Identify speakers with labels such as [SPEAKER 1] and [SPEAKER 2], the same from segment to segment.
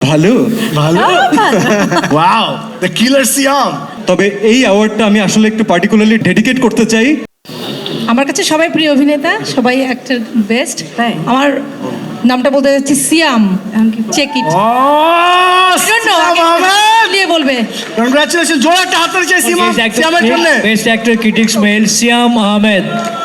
[SPEAKER 1] ভালো
[SPEAKER 2] ভালো wow the killer সিয়াম।
[SPEAKER 1] তবে এই অ্যাওয়ার্ডটা আমি আসলে একটু পার্টিকুলারলি ডেডিকেট করতে চাই।
[SPEAKER 3] আমার কাছে সবাই প্রিয় অভিনেতা, সবাই অ্যাক্টর বেস্ট।
[SPEAKER 4] তাই?
[SPEAKER 3] আমার নামটা বলতে যাচ্ছি সিয়াম। Check it.
[SPEAKER 2] ও সিয়াম আহমেদ,
[SPEAKER 3] দিয়ে বলবে
[SPEAKER 2] কংগ্রাচুলেশন। জোরে একটা হাততালি চাই সিয়ামের জন্য।
[SPEAKER 5] Best actor critics male Siam Ahmed.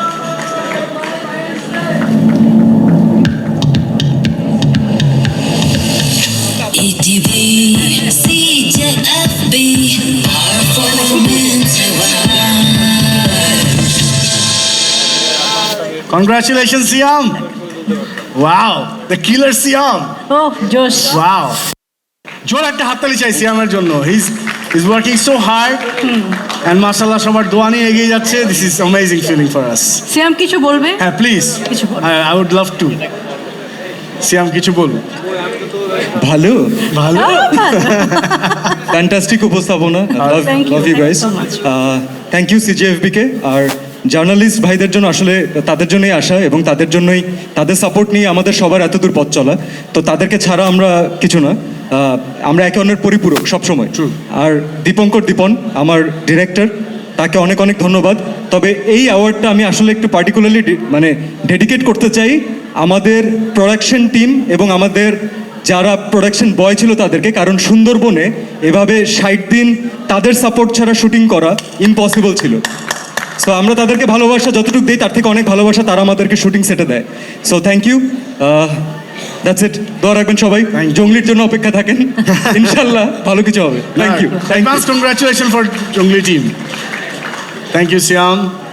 [SPEAKER 6] ETV, CJFB, performance.
[SPEAKER 2] Congratulation Siam. Wow the killer Siam.
[SPEAKER 4] ও জোশ।
[SPEAKER 2] ওয়াও, জোরে একটা হাততালি চাই সিয়ামের জন্য। He's working so hard and মাশাআল্লাহ সবার দোয়া নিয়ে এগিয়ে যাচ্ছে। This is amazing feeling for us.
[SPEAKER 4] সিয়াম কিছু বলবে?
[SPEAKER 2] হ্যাঁ প্লিজ,
[SPEAKER 4] কিছু বল।
[SPEAKER 2] I would love to. সিয়াম কিছু বলুন।
[SPEAKER 1] ভালো
[SPEAKER 2] ভালো
[SPEAKER 1] ফ্যান্টাস্টিক উপস্থাপনা।
[SPEAKER 4] Thank you,
[SPEAKER 1] love you
[SPEAKER 4] thank you
[SPEAKER 1] guys.
[SPEAKER 4] so much.
[SPEAKER 1] Thank you CJFB কে। আর জার্নালিস্ট ভাইদের জন্য আসলে তাদের জন্যই আসা এবং তাদের জন্যই, তাদের সাপোর্ট নিয়ে আমাদের সবার এত দূর পথ চলা। তো তাদেরকে ছাড়া আমরা কিছু না। আমরা একে অন্যের পরিপূরক সবসময়। আর দীপন আমার ডিরেক্টর, তাকে অনেক অনেক ধন্যবাদ। তবে এই অ্যাওয়ার্ডটা আমি আসলে একটু পার্টিকুলারলি মানে ডেডিকেট করতে চাই আমাদের প্রোডাকশন টিম এবং আমাদের যারা প্রোডাকশন বয় ছিল তাদেরকে। কারণ সুন্দরবনে এভাবে 60 দিন তাদের সাপোর্ট ছাড়া শুটিং করা ইম্পসিবল ছিল। সো আমরা তাদেরকে ভালোবাসা যতটুকু দিই তার থেকে অনেক ভালোবাসা তারা আমাদেরকে শুটিং সেটে দেয়। So thank you, that's it. দোয়া রাখবেন সবাই, জঙ্গলির জন্য অপেক্ষা থাকেন, ইনশাল্লাহ ভালো কিছু হবে। Thank you.
[SPEAKER 2] Advance congratulations for Jungli team. Thank you, Siam.